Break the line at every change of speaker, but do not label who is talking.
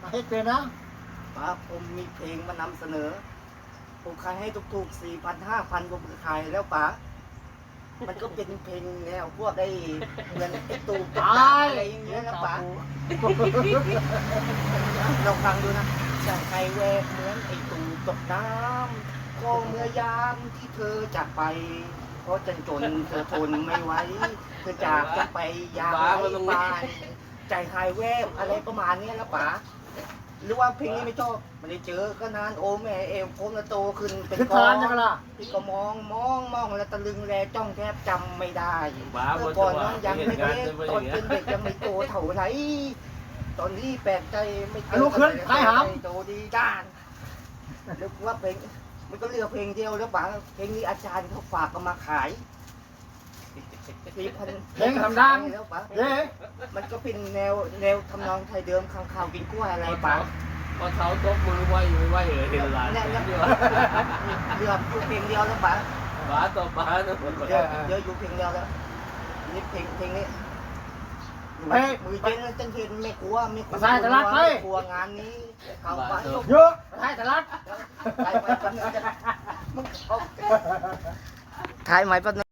เฮ็ดเป็นนะ
ป๋าผมมีเพลงมานำเสนอผมขายให้ถูกๆ 4,000 5,000ผมขายแล้วป๋ามันก็เป็นเพลงแนวพวกไอ้เหมือนไอ้ตูตกน้ำอะไรอย่างเงี้ยนะป๋าลองฟังดูนะจะใครแวกเหมือนไอ้ตูตกน้ำก็เมื่อยามที่เธอจากไป เพราะจนเธอทนไม่ไหวเธอจากจะไปยามไร้บ้านใจหายแวบอะไรประมาณนี้นะป๋าหรือว่าเพลงนี้ไม่ชอบไม่ได้เจอก็นานโอ้แม่เอวผมละโตขึ้นเป็น
คือ
ก้อ
ทาน
น
จังล่ะ
พี่ก็มองแล้วตะลึงแลจ้องแทบจำไม่ได้
บ้า
เมื่
บ
อน ก่อนนั้น
ยั
ยัง
ง
ไม่
ไม่
เล็
เด็
ก
ก
ตอนเป็นเด็กยังไม่โตเท่าไหร่ตอนนี้แปลกใจไม่เจ
ลุกขึ้นไปหาม
โตดีด้านนึกว่าเพลงมันก็เลือกเพลงเดียวแล้วป๋าเพลงนี้อาจารย์เขาฝากก็มาขาย4,000
เพลงทำดัง
แล้วป๋า
เย้
มันก็เป็นแนวทำนองไทยเดิมข้างข่าวกินกล้วยอะไรป๋า
พอเขาตบมือไหวอยู่ไหวเห็นหลาน
เนี่ย
เย
เลื
อะ
อกอยู่เพลงเดียวแล้วป๋า
บ้าต่อบ้านะ
เดี๋ยวอยู่เพลงเดียวแล้วนี่เพลงนี้มือเจนจังเห็นไม่กลัวไม่กลัวงานนี้เขาไป
เยอะให้ตลาด
ถ่ายไว้แป๊บนึงถ่ายไว้แป๊บนึง